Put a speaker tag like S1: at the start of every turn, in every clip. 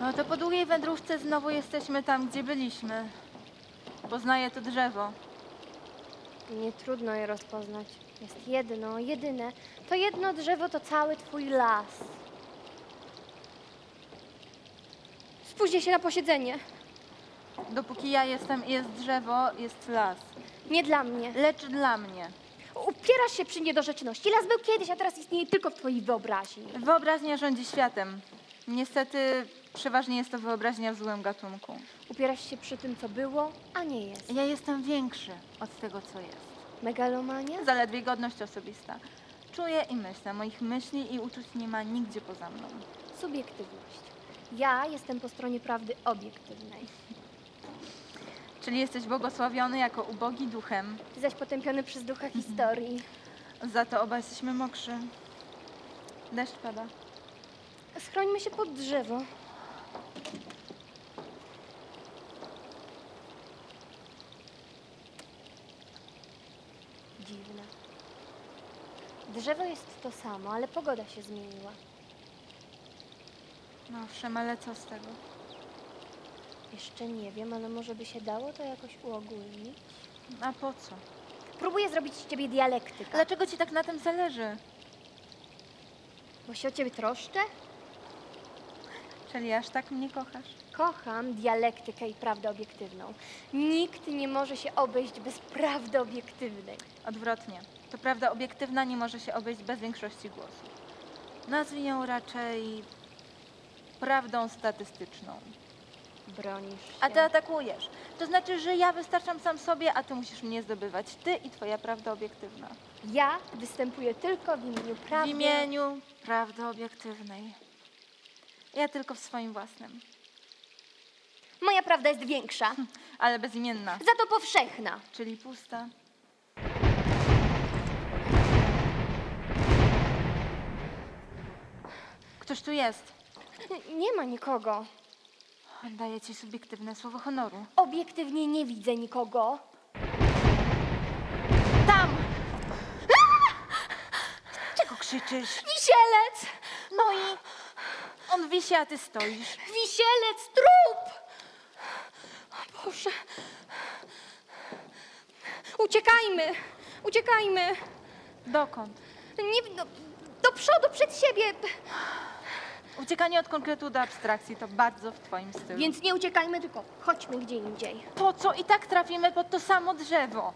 S1: No to po długiej wędrówce znowu jesteśmy tam, gdzie byliśmy. Poznaję to drzewo.
S2: Nie trudno je rozpoznać. Jest jedno, jedyne. To jedno drzewo to cały twój las. Spóźnię się na posiedzenie.
S1: Dopóki ja jestem i jest drzewo, jest las.
S2: Nie dla mnie.
S1: Lecz dla mnie.
S2: Upierasz się przy niedorzeczności. Las był kiedyś, a teraz istnieje tylko w twojej wyobraźni.
S1: Wyobraźnia rządzi światem. Niestety przeważnie jest to wyobraźnia w złym gatunku.
S2: Upierasz się przy tym, co było, a nie jest.
S1: Ja jestem większy od tego, co jest.
S2: Megalomania?
S1: Zaledwie godność osobista. Czuję i myślę. Moich myśli i uczuć nie ma nigdzie poza mną.
S2: Subiektywność. Ja jestem po stronie prawdy obiektywnej.
S1: Czyli jesteś błogosławiony jako ubogi duchem.
S2: Ty zaś potępiony przez ducha historii.
S1: Za to obaj jesteśmy mokrzy. Deszcz pada.
S2: Schrońmy się pod drzewo. Dziwne. Drzewo jest to samo, ale pogoda się zmieniła.
S1: No owszem, ale co z tego?
S2: Jeszcze nie wiem, ale może by się dało to jakoś uogólnić?
S1: A po co?
S2: Próbuję zrobić z ciebie dialektyka.
S1: Dlaczego ci tak na tym zależy?
S2: Bo się o ciebie troszczę?
S1: Czyli aż tak mnie kochasz?
S2: Kocham dialektykę i prawdę obiektywną. Nikt nie może się obejść bez prawdy obiektywnej.
S1: Odwrotnie. To prawda obiektywna nie może się obejść bez większości głosów. Nazwij ją raczej prawdą statystyczną.
S2: Bronisz się.
S1: A ty atakujesz. To znaczy, że ja wystarczam sam sobie, a ty musisz mnie zdobywać. Ty i twoja prawda obiektywna.
S2: Ja występuję tylko w imieniu prawdy.
S1: W imieniu prawdy obiektywnej. Ja tylko w swoim własnym.
S2: Moja prawda jest większa,
S1: Ale bezimienna.
S2: za to powszechna.
S1: Czyli pusta. Ktoś tu jest.
S2: Nie ma nikogo.
S1: Daję ci subiektywne słowo honoru.
S2: Obiektywnie nie widzę nikogo.
S1: Tam! Czego krzyczysz?
S2: Wisielec!
S1: No i on wisi, a ty stoisz.
S2: Wisielec, trup! O Boże. Uciekajmy! Uciekajmy!
S1: Dokąd?
S2: Nie, do przodu, przed siebie!
S1: Uciekanie od konkretu do abstrakcji to bardzo w twoim stylu.
S2: Więc nie uciekajmy, tylko chodźmy gdzie indziej.
S1: Po co i tak trafimy pod to samo drzewo?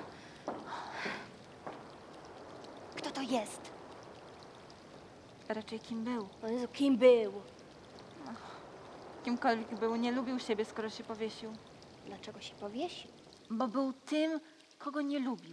S2: Kto to jest?
S1: Raczej kim był.
S2: O Jezu, kim był?
S1: Kimkolwiek był, nie lubił siebie, skoro się powiesił.
S2: Dlaczego się powiesił?
S1: Bo był tym, kogo nie lubił.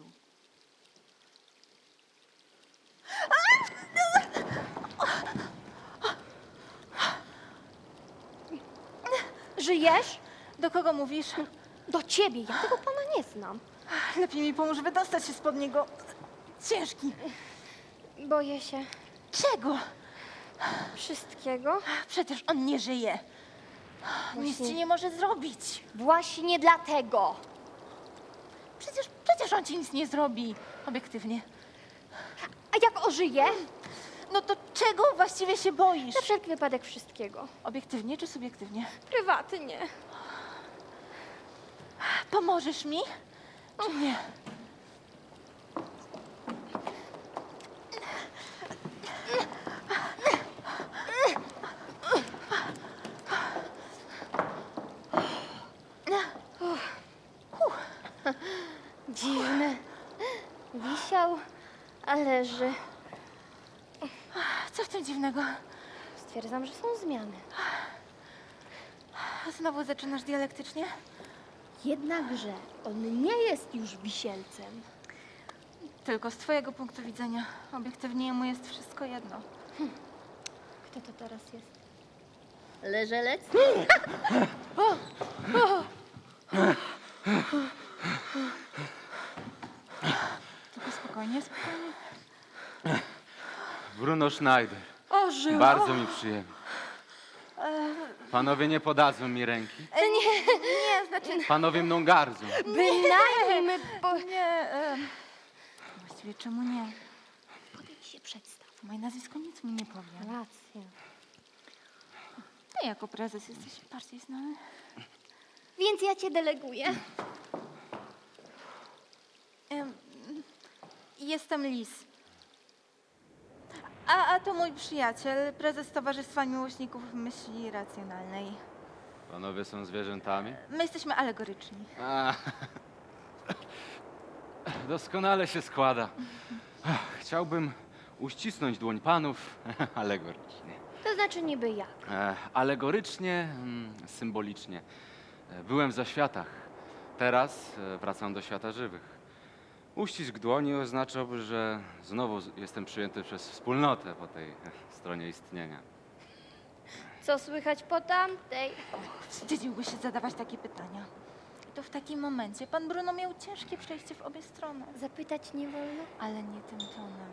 S2: Żyjesz?
S1: Do kogo mówisz?
S2: Do ciebie, ja tego pana nie znam.
S1: Lepiej mi pomóż wydostać się spod niego. Ciężki.
S2: Boję się
S1: Czego?
S2: wszystkiego.
S1: Przecież on nie żyje. Nic
S2: Właśnie.
S1: ci nie może zrobić.
S2: Właśnie dlatego.
S1: Przecież on ci nic nie zrobi. Obiektywnie.
S2: A jak ożyje?
S1: No to czego właściwie się boisz?
S2: Na wszelki wypadek wszystkiego.
S1: Obiektywnie czy subiektywnie?
S2: Prywatnie.
S1: Pomożesz mi? Czy nie?
S2: Dziwne. Wisiał, a leży.
S1: Co w tym dziwnego?
S2: Stwierdzam, że są zmiany.
S1: Znowu zaczynasz dialektycznie?
S2: Jednakże on nie jest już wisielcem.
S1: Tylko z twojego punktu widzenia. Obiektywnie mu jest wszystko jedno.
S2: Kto to teraz jest? Leżelec?
S1: Tylko spokojnie, spokojnie.
S3: Bruno Schneider.
S2: Ożył.
S3: Bardzo mi przyjemnie. Panowie nie podadzą mi ręki.
S1: Nie, znaczy...
S3: Panowie mną gardzą.
S2: Bynajmniej my
S1: Nie, właściwie czemu nie?
S2: Podejdź się przedstaw.
S1: Moje nazwisko nic mi nie powie.
S2: Racja.
S1: Ty jako prezes jesteś bardziej znany.
S2: Więc ja cię deleguję.
S1: Em, Jestem Lis. A to mój przyjaciel, prezes Towarzystwa Miłośników Myśli Racjonalnej.
S3: Panowie są zwierzętami?
S1: My jesteśmy alegoryczni.
S3: A, doskonale się składa. Chciałbym uścisnąć dłoń panów alegorycznie.
S2: To znaczy niby jak?
S3: Alegorycznie, symbolicznie. Byłem w zaświatach. Teraz wracam do świata żywych. Uścisk dłoni oznaczałby, że znowu jestem przyjęty przez wspólnotę po tej stronie istnienia.
S2: Co słychać po tamtej?
S1: Wstydziłby się zadawać takie pytania. I to w takim momencie pan Bruno miał ciężkie przejście w obie strony.
S2: Zapytać nie wolno?
S1: Ale nie tym tonem.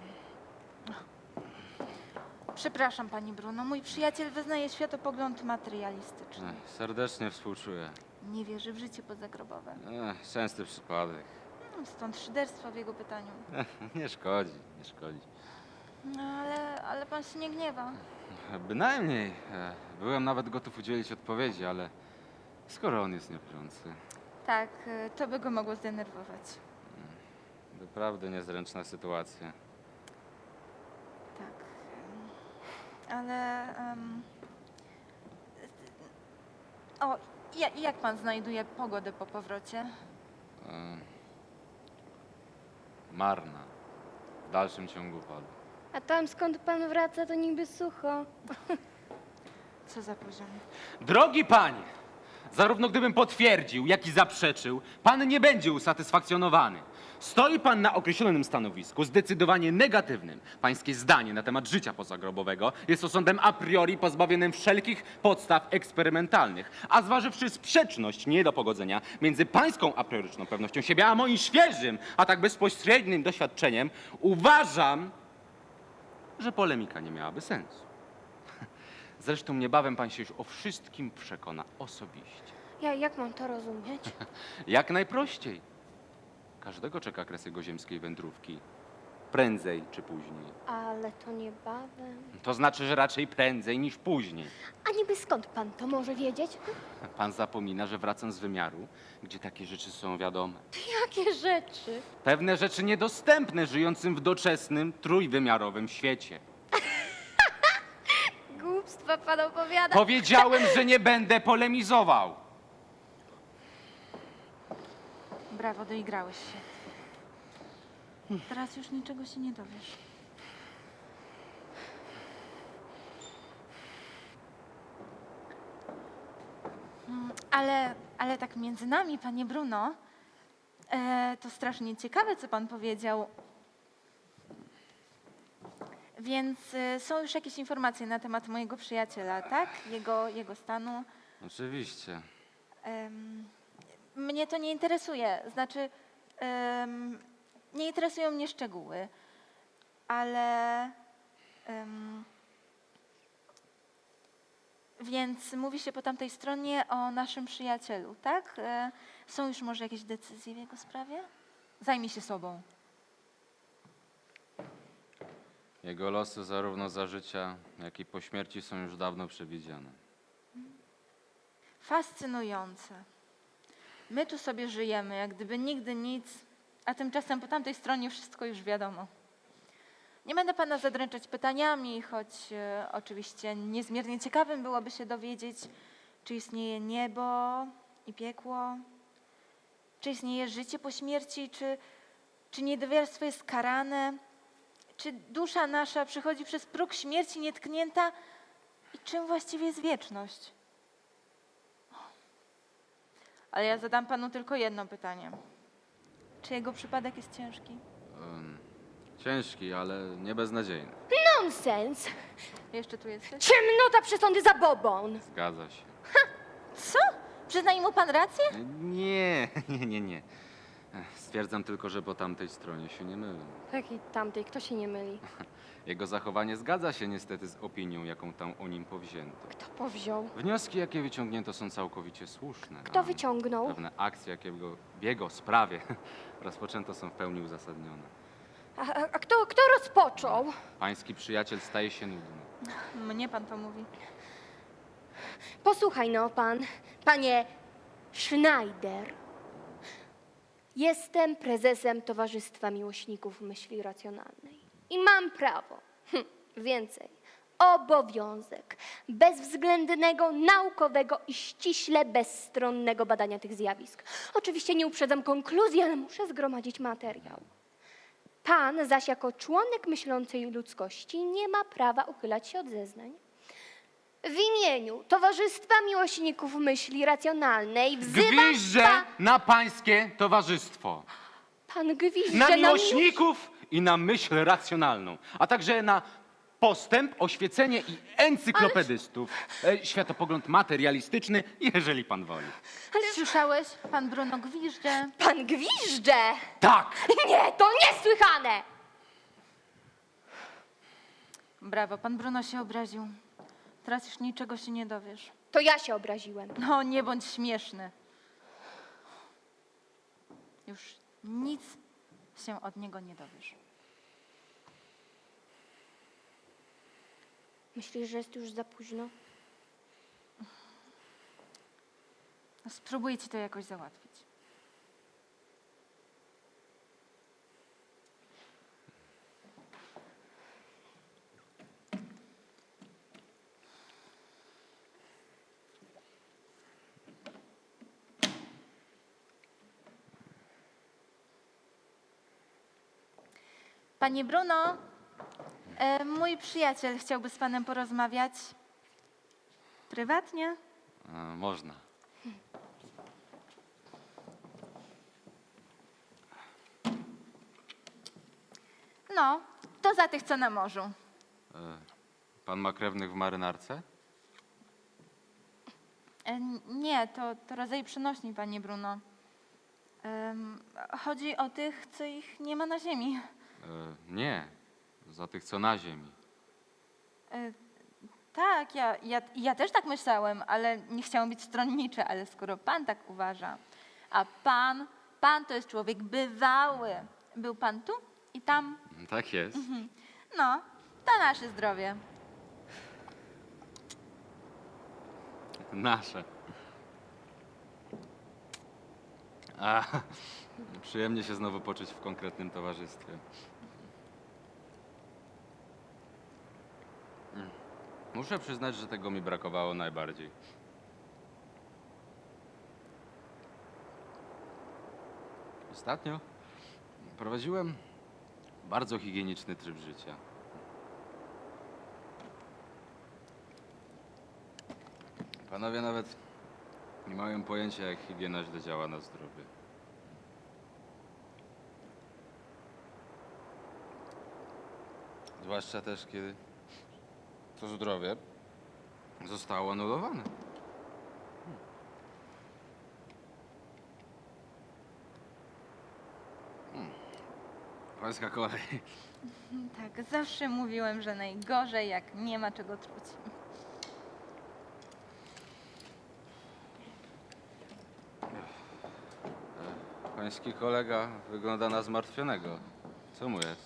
S1: Przepraszam, pani Bruno. Mój przyjaciel wyznaje światopogląd materialistyczny.
S3: Serdecznie współczuję.
S1: Nie wierzy w życie pozagrobowe.
S3: Częsty przypadek.
S1: Stąd szyderstwo w jego pytaniu.
S3: Nie szkodzi, nie szkodzi.
S1: No, ale pan się nie gniewa.
S3: Bynajmniej. Byłem nawet gotów udzielić odpowiedzi, ale skoro on jest niewierzący,
S1: Tak, to by go mogło zdenerwować.
S3: naprawdę niezręczna sytuacja.
S1: Tak. Ale... O, jak pan znajduje pogodę po powrocie?
S3: E, Marna. W dalszym ciągu padu.
S2: A tam skąd pan wraca, to niby sucho.
S1: Co za poziom?
S3: Drogi panie! Zarówno gdybym potwierdził, jak i zaprzeczył, pan nie będzie usatysfakcjonowany. Stoi pan na określonym stanowisku, zdecydowanie negatywnym. Pańskie zdanie na temat życia pozagrobowego jest osądem a priori pozbawionym wszelkich podstaw eksperymentalnych. A zważywszy sprzeczność nie do pogodzenia między pańską a prioryczną pewnością siebie, a moim świeżym, a tak bezpośrednim doświadczeniem, uważam, że polemika nie miałaby sensu. Zresztą niebawem pan się już o wszystkim przekona osobiście.
S2: Jak mam to rozumieć?
S3: Jak najprościej. Każdego czeka kres jego ziemskiej wędrówki. Prędzej czy później.
S2: Ale to niebawem.
S3: To znaczy, że raczej prędzej niż później.
S2: A niby skąd pan to może wiedzieć?
S3: Pan zapomina, że wracam z wymiaru, gdzie takie rzeczy są wiadome.
S2: Jakie rzeczy?
S3: Pewne rzeczy niedostępne żyjącym w doczesnym, trójwymiarowym świecie.
S2: Głupstwa pan opowiada.
S3: Powiedziałem, że nie będę polemizował.
S1: Brawo, doigrałeś się. Teraz już niczego się nie dowiesz. Ale tak między nami, panie Bruno, to strasznie ciekawe, co pan powiedział. Więc są już jakieś informacje na temat mojego przyjaciela, tak? Jego stanu.
S3: Oczywiście.
S1: Mnie to nie interesuje. Znaczy, nie interesują mnie szczegóły, ale... Więc mówi się po tamtej stronie o naszym przyjacielu, tak? Są już może jakieś decyzje w jego sprawie? Zajmij się sobą.
S3: Jego losy zarówno za życia, jak i po śmierci są już dawno przewidziane.
S1: Fascynujące. My tu sobie żyjemy, jak gdyby nigdy nic, a tymczasem po tamtej stronie wszystko już wiadomo. Nie będę pana zadręczać pytaniami, choć oczywiście niezmiernie ciekawym byłoby się dowiedzieć, czy istnieje niebo i piekło, czy istnieje życie po śmierci, czy niedowierstwo jest karane, czy dusza nasza przychodzi przez próg śmierci nietknięta i czym właściwie jest wieczność. Ale ja zadam panu tylko jedno pytanie. Czy jego przypadek jest ciężki?
S3: Ciężki, ale nie beznadziejny.
S2: Nonsens!
S1: Jeszcze tu jesteś?
S2: Ciemnota przesądy za bobon!
S3: Zgadza się.
S1: Co? Przyzna mu pan rację?
S3: Nie. Stwierdzam tylko, że po tamtej stronie się nie mylę.
S2: Takiej tamtej, kto się nie myli?
S3: Jego zachowanie zgadza się niestety z opinią, jaką tam o nim powzięto.
S2: Kto powziął?
S3: Wnioski, jakie wyciągnięto, są całkowicie słuszne.
S2: Kto
S3: a
S2: wyciągnął?
S3: Pewne akcje, jakie w jego sprawie rozpoczęto, są w pełni uzasadnione.
S2: A kto rozpoczął?
S3: Pański przyjaciel staje się nudny.
S1: Mnie pan to mówi.
S2: Posłuchaj no, panie Schneider. Jestem prezesem Towarzystwa Miłośników Myśli Racjonalnej i mam prawo, więcej, obowiązek bezwzględnego, naukowego i ściśle bezstronnego badania tych zjawisk. Oczywiście nie uprzedzam konkluzji, ale muszę zgromadzić materiał. Pan zaś jako członek myślącej ludzkości nie ma prawa uchylać się od zeznań. W imieniu Towarzystwa Miłośników Myśli Racjonalnej wzywam
S3: Gwiżdżę na pańskie towarzystwo.
S2: Pan gwizdże
S3: Na
S2: na
S3: miłośników i na myśl racjonalną, a także na postęp, oświecenie i encyklopedystów. Światopogląd materialistyczny, jeżeli pan woli.
S1: Słyszałeś? Pan Bruno gwizdże.
S2: Pan gwizdże!
S3: Tak!
S2: Nie, to niesłychane!
S1: Brawo, pan Bruno się obraził. Teraz już niczego się nie dowiesz.
S2: To ja się obraziłem.
S1: No, nie bądź śmieszny. Już nic się od niego nie dowiesz.
S2: Myślisz, że jest już za późno?
S1: No, spróbuję ci to jakoś załatwić. Panie Bruno, mój przyjaciel chciałby z panem porozmawiać prywatnie.
S3: Można.
S1: No, to za tych, co na morzu.
S3: Pan ma krewnych w marynarce?
S1: Nie, to rodzaj przenośni, panie Bruno. Chodzi o tych, co ich nie ma na ziemi.
S3: Nie, za tych, co na ziemi.
S1: Tak, ja też tak myślałem, ale nie chciałam być stronniczy, ale skoro pan tak uważa, a pan to jest człowiek bywały. Był pan tu i tam.
S3: Tak jest.
S1: No, to nasze zdrowie.
S3: Nasze. Przyjemnie się znowu poczuć w konkretnym towarzystwie. Muszę przyznać, że tego mi brakowało najbardziej. Ostatnio prowadziłem bardzo higieniczny tryb życia. Panowie nawet nie mają pojęcia, jak higiena źle działa na zdrowie. Zwłaszcza też, kiedy to zdrowie zostało anulowane. Pańska kolej.
S1: Tak, zawsze mówiłem, że najgorzej, jak nie ma czego truć.
S3: Pański kolega wygląda na zmartwionego. Co mu jest?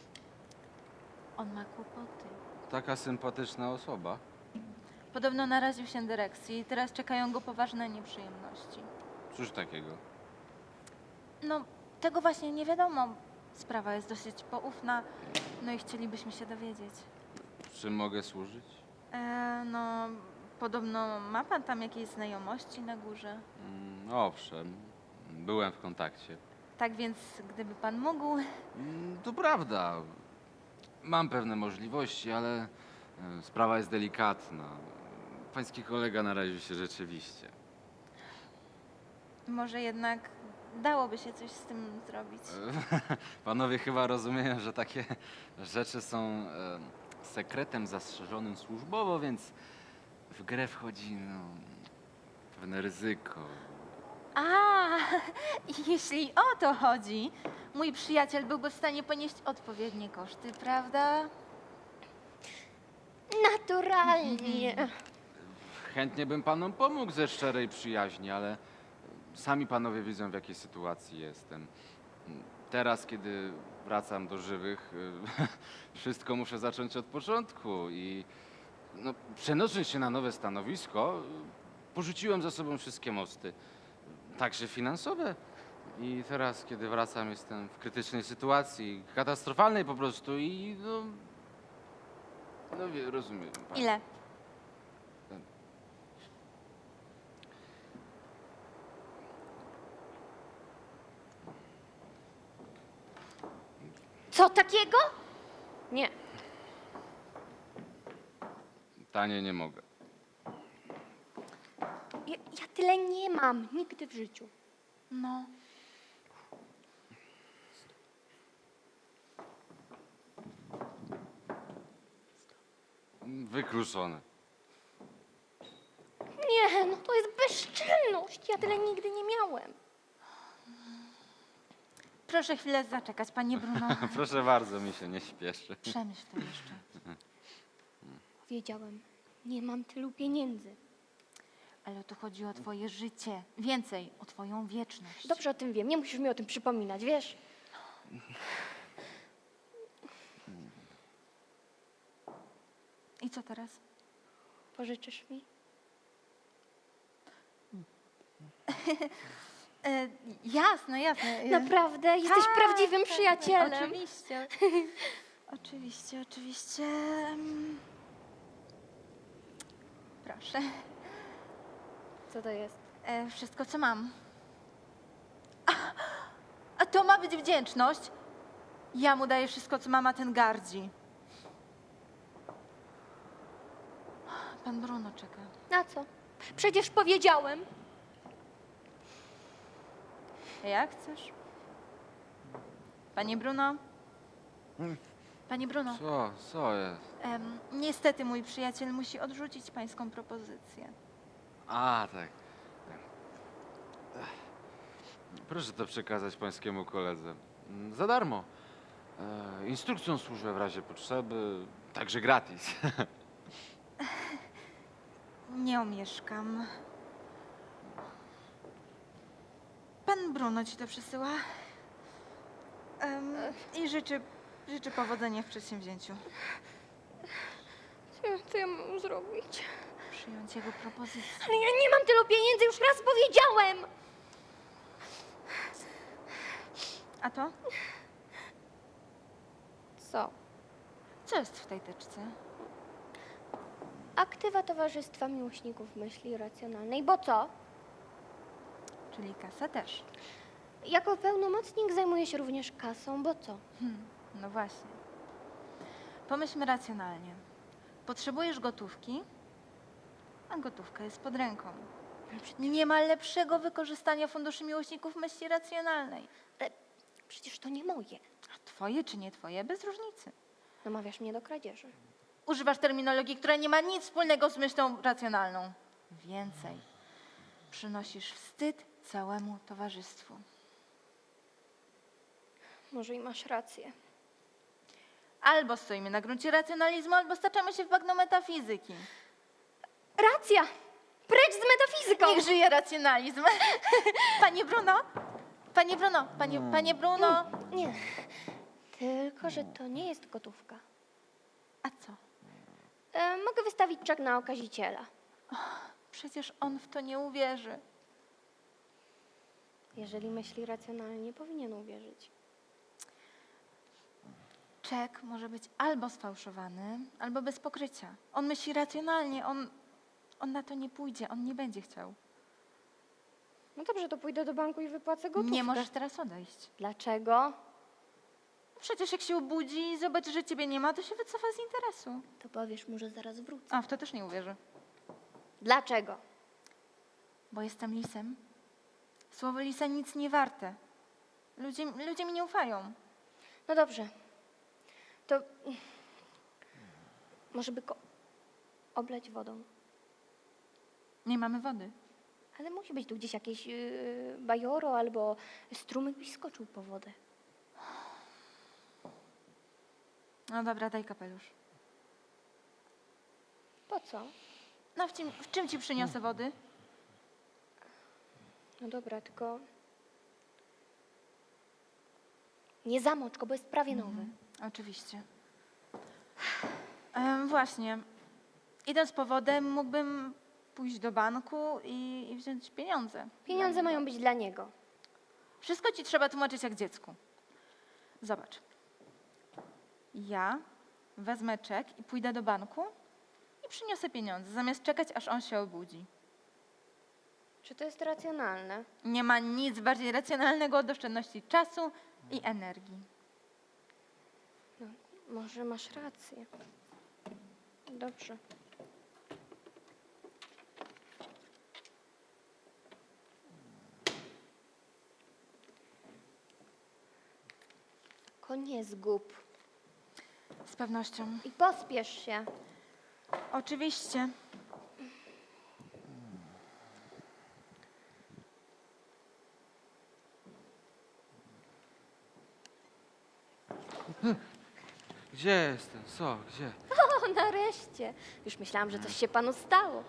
S1: On ma kłopoty.
S3: Taka sympatyczna osoba.
S1: Podobno naraził się dyrekcji i teraz czekają go poważne nieprzyjemności.
S3: Cóż takiego?
S1: No, tego właśnie nie wiadomo. Sprawa jest dosyć poufna, no i chcielibyśmy się dowiedzieć.
S3: Czym mogę służyć?
S1: No, podobno ma pan tam jakieś znajomości na górze?
S3: Owszem, byłem w kontakcie.
S1: Tak więc, gdyby pan mógł...
S3: To prawda. Mam pewne możliwości, ale sprawa jest delikatna. Pański kolega naraził się rzeczywiście.
S1: Może jednak dałoby się coś z tym zrobić.
S3: Panowie chyba rozumieją, że takie rzeczy są sekretem zastrzeżonym służbowo, więc w grę wchodzi pewne ryzyko.
S1: A, jeśli o to chodzi, mój przyjaciel byłby w stanie ponieść odpowiednie koszty, prawda?
S2: Naturalnie.
S3: Chętnie bym panom pomógł ze szczerej przyjaźni, ale sami panowie widzą, w jakiej sytuacji jestem. Teraz, kiedy wracam do żywych, wszystko muszę zacząć od początku i No, przenosząc się na nowe stanowisko, porzuciłem za sobą wszystkie mosty, także finansowe. I teraz, kiedy wracam, jestem w krytycznej sytuacji, katastrofalnej po prostu i rozumiem. Pani.
S1: Ile?
S2: Co takiego? Nie.
S3: Taniej nie mogę.
S2: Ja tyle nie mam. Nigdy w życiu.
S1: No.
S3: Wykluczone.
S2: Nie, no to jest bezczelność. Ja tyle nigdy nie miałem.
S1: Proszę chwilę zaczekać, panie Bruno.
S3: Proszę bardzo, mi się nie śpieszy.
S1: Przemyśl to jeszcze.
S2: Wiedziałem. Nie mam tylu pieniędzy.
S1: Ale tu chodzi o twoje życie. Więcej, o twoją wieczność.
S2: Dobrze o tym wiem. Nie musisz mi o tym przypominać, wiesz?
S1: I co teraz?
S2: Pożyczysz mi?
S1: Jasne, jasne.
S2: Naprawdę? Jesteś
S1: Tak,
S2: prawdziwym
S1: tak,
S2: przyjacielem.
S1: Oczywiście. Oczywiście, oczywiście. Proszę.
S2: Co to jest?
S1: Wszystko, co mam. A to ma być wdzięczność? Ja mu daję wszystko, co mam, a ten gardzi. Pan Bruno czeka.
S2: Na co? Przecież powiedziałem.
S1: Jak chcesz? Panie Bruno? Panie Bruno,
S3: Co jest?
S1: niestety mój przyjaciel musi odrzucić pańską propozycję.
S3: A, tak. Proszę to przekazać pańskiemu koledze. Za darmo. Instrukcją służę w razie potrzeby, także gratis.
S1: Nie omieszkam. Pan Bruno ci to przysyła. I życzy powodzenia w przedsięwzięciu.
S2: Co ja mam zrobić?
S1: Przyjąć jego propozycję.
S2: Ale ja nie mam tylu pieniędzy, już raz powiedziałem!
S1: A to?
S2: Co?
S1: Co jest w tej teczce?
S2: Aktywa Towarzystwa Miłośników Myśli Racjonalnej. Bo co?
S1: Czyli kasa też.
S2: Jako pełnomocnik zajmuję się również kasą, bo co?
S1: No właśnie. Pomyślmy racjonalnie. Potrzebujesz gotówki, a gotówka jest pod ręką. Nie ma lepszego wykorzystania funduszy miłośników myśli racjonalnej.
S2: Ale przecież to nie moje.
S1: A twoje czy nie twoje, bez różnicy.
S2: Namawiasz mnie do kradzieży.
S1: Używasz terminologii, która nie ma nic wspólnego z myślą racjonalną. Więcej. Przynosisz wstyd całemu towarzystwu.
S2: Może i masz rację.
S1: Albo stoimy na gruncie racjonalizmu, albo staczamy się w bagno metafizyki.
S2: Racja! Precz z metafizyką!
S1: Niech żyje racjonalizm. Panie Bruno? Panie Bruno? Panie Bruno?
S2: Nie. Tylko, że to nie jest gotówka.
S1: A co?
S2: Mogę wystawić czek na okaziciela.
S1: Przecież on w to nie uwierzy.
S2: Jeżeli myśli racjonalnie, powinien uwierzyć.
S1: Czek może być albo sfałszowany, albo bez pokrycia. On myśli racjonalnie, on na to nie pójdzie, on nie będzie chciał.
S2: No dobrze, to pójdę do banku i wypłacę gotówkę.
S1: Nie możesz teraz odejść.
S2: Dlaczego?
S1: Przecież jak się obudzi i zobaczy, że ciebie nie ma, to się wycofa z interesu.
S2: To powiesz mu, że zaraz wrócę.
S1: A, w to też nie uwierzy.
S2: Dlaczego?
S1: Bo jestem lisem. Słowo lisa nic nie warte. Ludzie mi nie ufają.
S2: No dobrze. To może by go oblać wodą.
S1: Nie mamy wody.
S2: Ale musi być tu gdzieś jakieś bajoro albo strumyk byś skoczył po wodę.
S1: No dobra, daj kapelusz.
S2: Po co?
S1: No w czym ci przyniosę wody?
S2: No dobra, tylko nie zamocz go, bo jest prawie nowy.
S1: Oczywiście. Właśnie. Idąc powodem, mógłbym pójść do banku i wziąć pieniądze.
S2: Pieniądze mają być dla niego.
S1: Wszystko ci trzeba tłumaczyć jak dziecku. Zobacz. Ja wezmę czek i pójdę do banku i przyniosę pieniądze, zamiast czekać, aż on się obudzi.
S2: Czy to jest racjonalne?
S1: Nie ma nic bardziej racjonalnego od oszczędności czasu i energii.
S2: No, może masz rację. Dobrze. Nie zgub.
S1: Z pewnością.
S2: I pospiesz się.
S1: Oczywiście.
S3: Gdzie jestem? Co? Gdzie?
S2: O, nareszcie. Już myślałam, że coś się panu stało.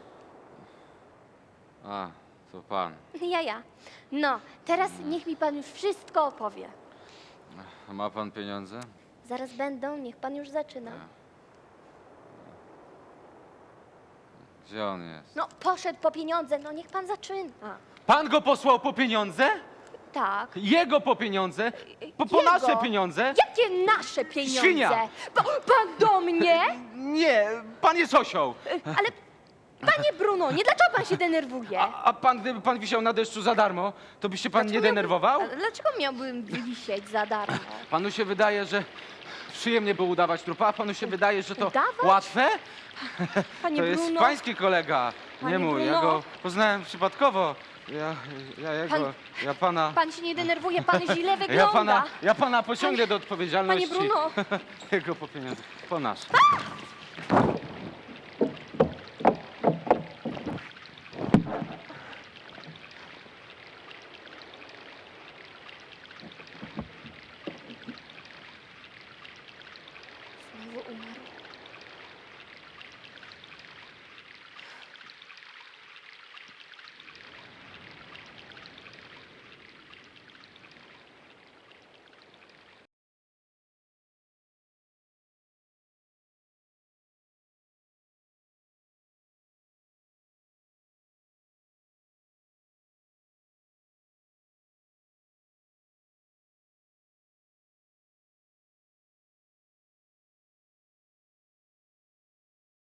S3: A, to pan.
S2: Ja. No, teraz niech mi pan już wszystko opowie.
S3: A ma pan pieniądze?
S2: Zaraz będą, niech pan już zaczyna.
S3: Gdzie on jest?
S2: No, poszedł po pieniądze, no niech pan zaczyna.
S3: Pan go posłał po pieniądze?
S2: Tak.
S3: Jego po pieniądze? Po
S2: Jego.
S3: nasze pieniądze?
S2: Jakie nasze pieniądze?
S3: Świnia!
S2: Pan do mnie?
S3: Nie, pan jest osioł.
S2: Ale, panie Bruno, nie dlaczego pan się denerwuje?
S3: A pan, gdyby pan wisiał na deszczu za darmo, to by się pan nie denerwował?
S2: Dlaczego miałbym wisieć za darmo?
S3: Panu się wydaje, że przyjemnie było udawać trupa, a panu się wydaje, że to
S2: Udawać?
S3: łatwe?
S2: Panie
S3: To jest
S2: Bruno,
S3: pański kolega,
S2: Panie
S3: nie mój. Ja
S2: Bruno.
S3: go poznałem przypadkowo. Ja jego,
S2: Pan-
S3: ja pana...
S2: pan się nie denerwuje, pan źle wygląda.
S3: Ja pana pociągnę do odpowiedzialności.
S2: Panie Bruno.
S3: Jego po pieniądze, po nasze.